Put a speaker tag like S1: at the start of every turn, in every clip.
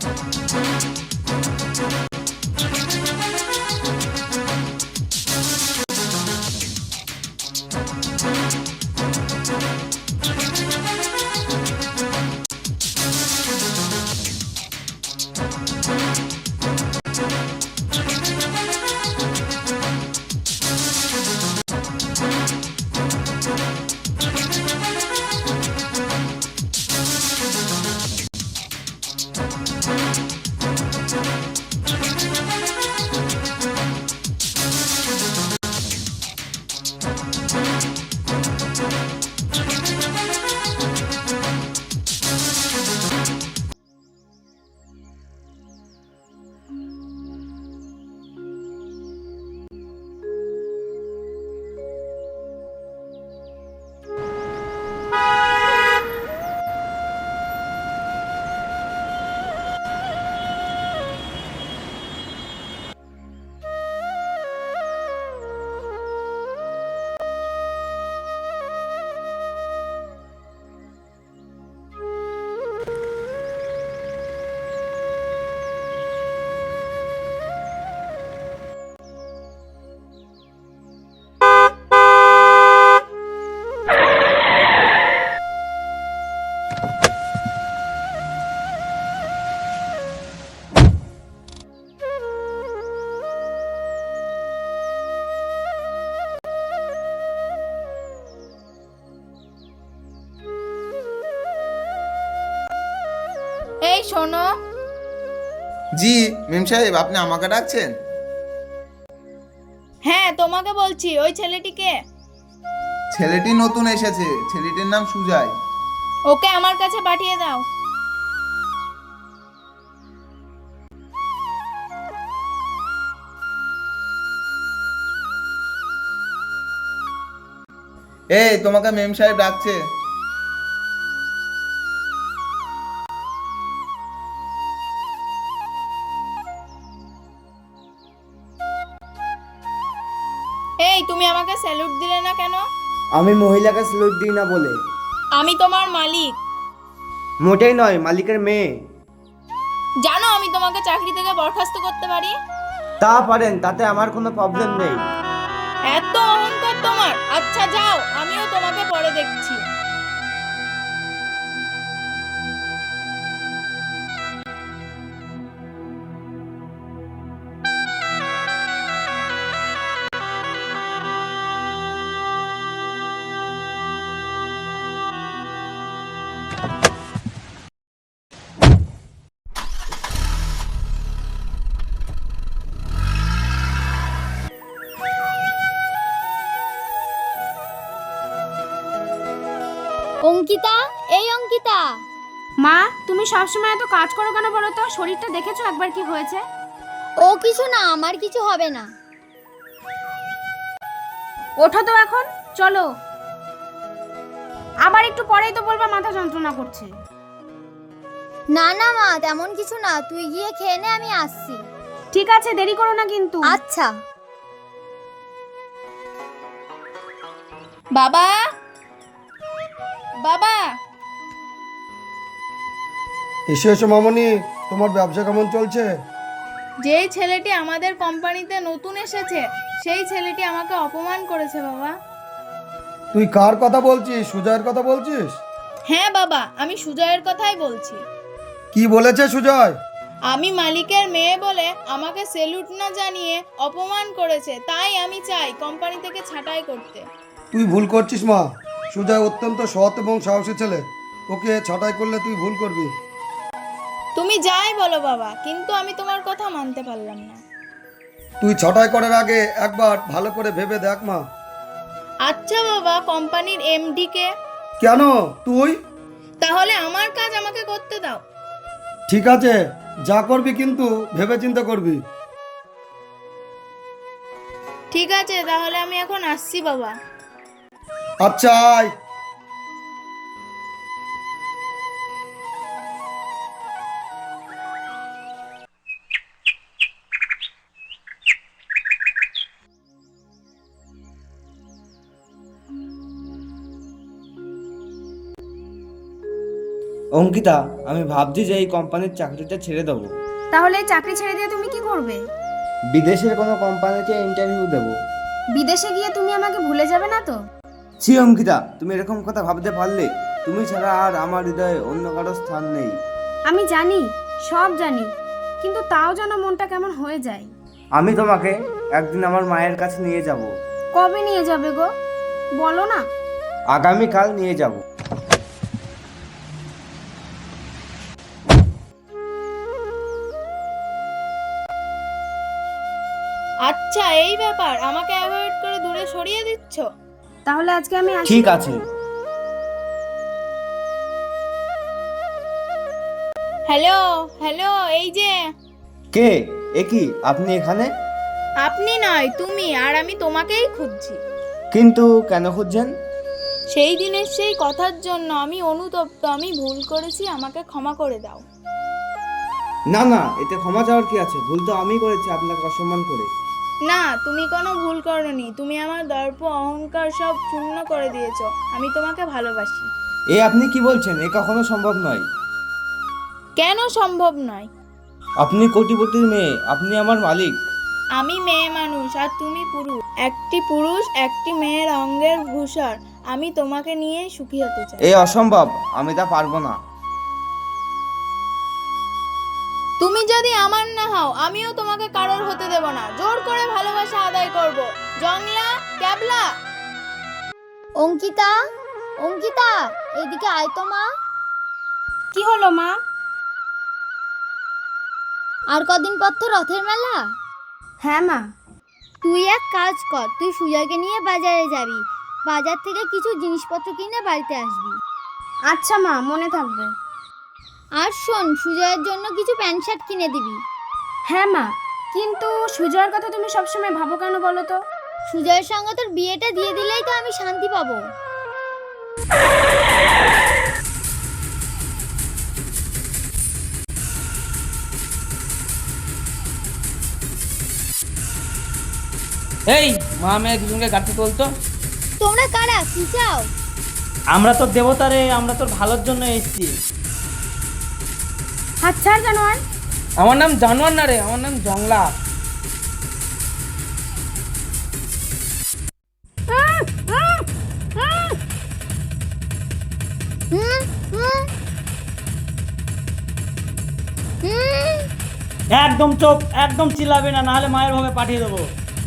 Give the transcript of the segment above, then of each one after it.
S1: এই শোনো।
S2: জি মেম সাহেব, আপনি আমাকে ডাকছেন?
S1: হ্যাঁ তোমাকে বলছি, ওই ছেলেটিকে।
S2: ছেলেটি নতুন এসেছে, ছেলেটির নাম সুজয়।
S1: ওকে আমার কাছে পাঠিয়ে দাও।
S2: এই তোমাকে মেম সাহেব ডাকছে।
S1: এই তুমি আমাকে স্যালুট দিলে না কেন?
S3: আমি মহিলাকে স্যালুট দিই না বলে।
S1: আমি তোমার মালিক।
S3: মোটেই নয়, মালিকের মেয়ে।
S1: জানো আমি তোমাকে চাকরি থেকে বরখাস্ত করতে পারি।
S3: তা পারেন, তাতে আমার কোনো প্রবলেম নেই।
S1: এত অহংকার তোমার? আচ্ছা যাও, আমিও তোমাকে পরে দেখছি।
S4: অঙ্কিতা, এই অঙ্কিতা।
S5: মা, তুমি সবসময় এত কাজ করো কেন বলো তো? শরীরটা দেখেছো একবার কি হয়েছে?
S4: ও কিছু না, আমার কিছু হবে না।
S5: ওঠো তো এখন, চলো। আবার একটু পরেই তো বলবা মাথা যন্ত্রণা করছে।
S4: না না মা, তেমন কিছু না, তুই গিয়ে খেয়ে নে, আমি আসছি।
S5: ঠিক আছে, দেরি করো না কিন্তু।
S4: আচ্ছা।
S1: বাবা, বাবা।
S6: এসো এসো মামনি, তোমার ব্যবসা কেমন চলছে?
S1: যেই ছেলেটি আমাদের কোম্পানিতে নতুন এসেছে, সেই ছেলেটি আমাকে অপমান করেছে বাবা।
S6: তুই কার কথা বলছিস? সুজয়ের কথা বলছিস?
S1: হ্যাঁ বাবা, আমি সুজয়ের কথাই বলছি।
S6: কি বলেছে সুজয়?
S1: আমি মালিকের মেয়ে বলে আমাকে স্যালুট না জানিয়ে অপমান করেছে, তাই আমি চাই কোম্পানি থেকে ছাঁটাই করতে।
S6: তুই ভুল করছিস মা। সুজয় অত্যন্ত সৎ এবং সাহসী ছেলে, ওকে ছাঁটাই করলে তুই ভুল করবি।
S1: তুমি যাই বলো বাবা, কিন্তু আমি তোমার কথা মানতে পারলাম না।
S6: তুই ছাঁটাই করার আগে একবার ভালো করে ভেবে দেখ মা।
S1: আচ্ছা বাবা, কোম্পানির এমডি কে?
S6: কেন তুই?
S1: তাহলে আমার কাজ আমাকে করতে দাও।
S6: ঠিক আছে, যা করবি কিন্তু ভেবে চিন্তা করবি।
S1: ঠিক আছে, তাহলে আমি এখন আসছি বাবা।
S6: আচ্ছা আয়।
S3: অঙ্কিতা, আমি ভাবছি যে এই কোম্পানির চাকরিটা ছেড়ে দেবো।
S5: তাহলে এই চাকরি ছেড়ে দিয়ে তুমি কি করবে?
S3: বিদেশের কোনো কোম্পানিতে ইন্টারভিউ দেবো।
S5: বিদেশে গিয়ে তুমি আমাকে ভুলে যাবে না তো?
S3: ছি অঙ্কিতা, তুমি এরকম কথা ভাবতে পারলে? তুমি ছাড়া আর আমার হৃদয়ে অন্য কারো স্থান নেই।
S5: আমি জানি, সব জানি, কিন্তু তাও যেন মনটা কেমন হয়ে যায়।
S3: আমি তোমাকে একদিন আমার মায়ের কাছে নিয়ে যাব।
S5: কবে নিয়ে যাবে গো, বলো না।
S3: আগামীকাল নিয়ে যাব।
S1: আচ্ছা এই ব্যাপার, আমাকে অ্যাভয়েড করে দূরে সরিয়ে দিচ্ছ?
S5: তাহলে আজকে আমি আসি।
S3: ঠিক আছে।
S1: হ্যালো হ্যালো, এই যে।
S3: কে? এ কি, আপনি এখানে?
S1: আপনি নয়, তুমি। আর আমি তোমাকেই খুঁজছি।
S3: কিন্তু কেন খুঁজছেন?
S1: সেই দিনের সেই কথার জন্য আমি অনুতপ্ত। আমি ভুল করেছি, আমাকে ক্ষমা করে দাও।
S3: না না, এতে ক্ষমা চাওয়ার কি আছে? ভুল তো আমি করেছি আপনাকে অসম্মান করে।
S1: না, তুমি কোনো ভুল করনি। তুমি আমার দর্প অহংকার সব শূন্য করে দিয়েছো। আমি তোমাকে ভালোবাসি।
S3: এ আপনি কি বলছেন? এ কখনো সম্ভব নয়।
S1: কেন সম্ভব নয়?
S3: আপনি কোটিপতির মেয়ে, আপনি আমার মালিক।
S1: আমি মেয়ে মানুষ আর তুমি পুরুষ। একটি পুরুষ একটি মেয়ের অঙ্গের ভূষর। আমি তোমাকে নিয়ে সুখী হতে চাই।
S3: এ অসম্ভব, আমি তা পারবো না।
S1: তুমি যদি আমার না হও, আমিও তোমাকে কারোর হতে দেব না। জোর করে ভালোবাসা আদায় করব। জংলা, ক্যাবলা।
S4: অঙ্কিতা, অঙ্কিতা, এইদিকে আয় তো মা।
S5: কি হলো মা?
S4: আর কদিন পর তো রথের মেলা।
S5: হ্যাঁ মা।
S4: তুই এক কাজ কর, তুই সুজয়কে নিয়ে বাজারে যাবি। বাজার থেকে কিছু জিনিসপত্র কিনে বাড়িতে আসবি।
S5: আচ্ছা মা, মনে থাকবে।
S4: আর শোন, সুজয়ের জন্য কিছু প্যান্ট শার্ট কিনে দিবি।
S5: হ্যাঁ মা, কিন্তু সুজয়ের কথা তুমি সবসময় ভাবো কেন বলো তো?
S4: সুজয়ের সঙ্গে তোর বিয়েটা দিয়ে দিলেই তো আমি শান্তি পাবো।
S7: এই মা মেয়ে দুজনকে গাড়িতে তোলতো।
S4: তোমরা কারা, কি চাও?
S7: আমরা তোর দেবতা রে, আমরা তোর ভালোর জন্য এসেছি।
S5: হাত ছাড় জানোয়ার।
S7: আমার নাম জানোয়ার না রে, আমার নাম জংলা।
S4: হুম হুম হুম।
S7: একদম চুপ, একদম চিল্লাবে না, নাহলে মায়ের ভাবে পাঠিয়ে দেবো।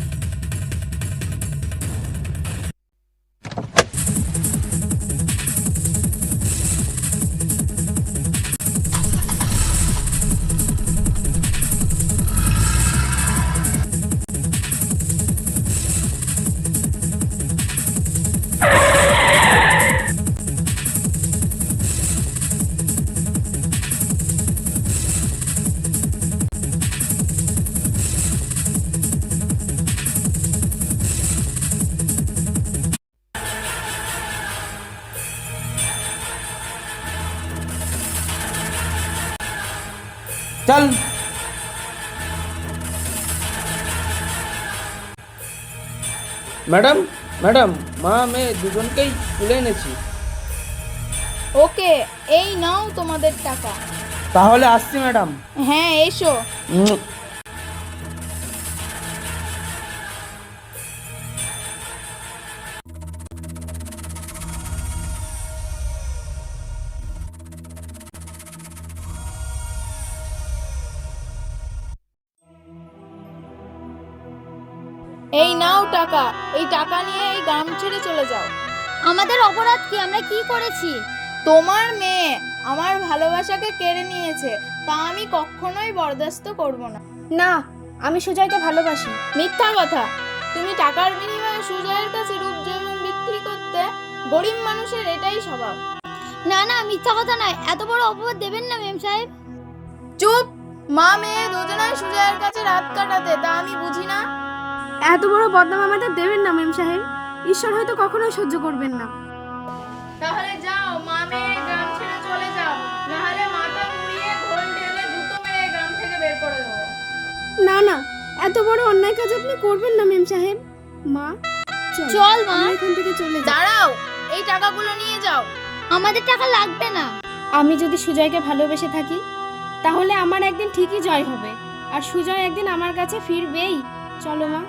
S7: চল। ম্যাডাম, ম্যাডাম, মা মেয়ে দুজনকেই তুলে এনেছি।
S1: ওকে, এই নাও তোমাদের টাকা।
S7: তাহলে আসছি ম্যাডাম।
S1: হ্যাঁ, এসো। এই নাও টাকা। এই টাকা নিয়ে এই গ্রাম ছেড়ে চলে যাও।
S4: আমাদের অপরাধ কি? আমরা কি করেছি?
S1: তোমার মেয়ে আমার ভালোবাসাকে কেড়ে নিয়েছে, তা আমি কখনোই বরদাস্ত করব না।
S5: না, আমি সুজয়কে ভালোবাসি।
S1: মিথ্যা কথা। তুমি টাকার বিনিময়ে সুজয়ের কাছে রূপ জৈবন বিক্রি করতে। গরিব মানুষের এটাই স্বভাব।
S4: না না, মিথ্যা কথা নয়। এত বড় অপবাদ দেবেন না মেম সাহেব।
S1: চুপ। মা মেয়ে দুজনাই সুজয়ের কাছে রাত কাটাতে, তা আমি বুঝি না?
S5: এত বড় বদনাম আমাদের দেবেন না মেম সাহেব। ঈশ্বর হয়তো কখনোই সহ্য করবেন না।
S1: তাহলে যাও, মা মেয়ে গ্রাম ছেড়ে চলে যাও, নাহলে মাথা মুড়িয়ে ঘোল ঢেলে জুতো মেরে গ্রাম থেকে বের করে দেবো।
S5: না না, এত বড় অন্যায় কাজ আপনি করবেন না মেম সাহেব। মা
S4: চল মা।
S5: আমরা এখান থেকে চলে যাই।
S1: দাঁড়াও, এই টাকাগুলো নিয়ে যাও।
S4: আমাদের টাকা লাগবে না।
S5: আমি যদি সুজয়কে ভালোবেসে থাকি তাহলে আমার একদিন ঠিকই জয় হবে, আর সুজয় একদিন আমার কাছে ফিরবেই। চলো মা।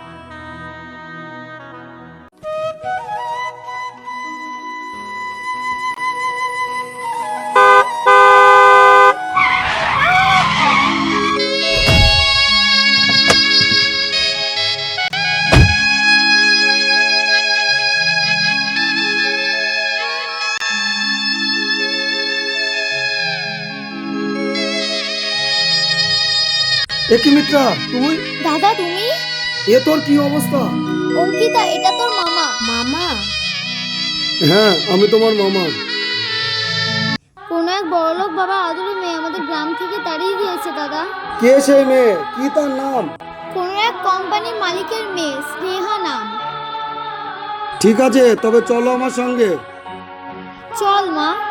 S6: একই মিত্রা, তুই?
S4: দাদা তুমি?
S6: এ তোর কি অবস্থা?
S4: অঙ্কিতা, এটা তোর মামা।
S5: মামা?
S6: হ্যাঁ, আমি তোমার মামা।
S4: কোনো এক বড়লোক বাবা আদুরে মেয়ে আমাদের গ্রাম থেকে তাড়িয়ে দিয়েছে দাদা।
S6: কে সেই মেয়ে? কি তার নাম?
S4: কোনো এক কোম্পানির মালিকের মেয়ে, স্নেহা নাম।
S6: ঠিক আছে, তবে চলো আমার সঙ্গে।
S4: চল মা।